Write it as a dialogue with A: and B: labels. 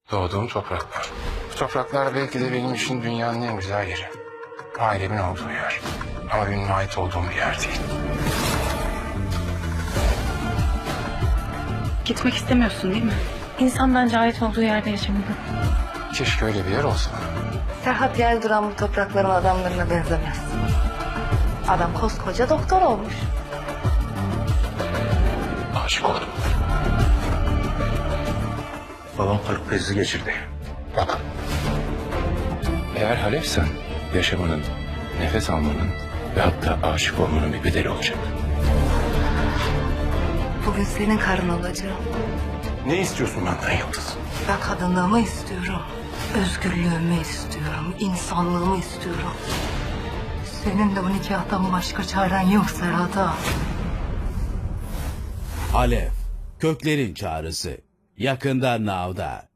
A: Doğduğum topraklar. Bu topraklar belki de benim için dünyanın en güzel yeri. Ailemin olduğu yer. Ama benim ait olduğum bir yer değil.
B: Gitmek istemiyorsun değil mi? İnsan bence ait olduğu yerde yaşamalı.
A: Keşke öyle bir yer olsa.
C: Ferhat Yelduran bu toprakların adamlarına benzemez. Adam koskoca doktor olmuş.
A: Aşık oldum. Babam kalp krizi geçirdi. Bak. Eğer Halep'sen yaşamanın, nefes almanın ve hatta aşık olmanın bir bedeli olacak.
C: Bugün senin karın olacağım.
A: Ne istiyorsun benden Yıldız?
C: Ben kadınlığımı istiyorum. Özgürlüğümü istiyorum. İnsanlığımı istiyorum. Senin de o nikahtan başka çaren yok Serhat'a.
D: Alev, Köklerin Çağrısı. Yakında Now'da.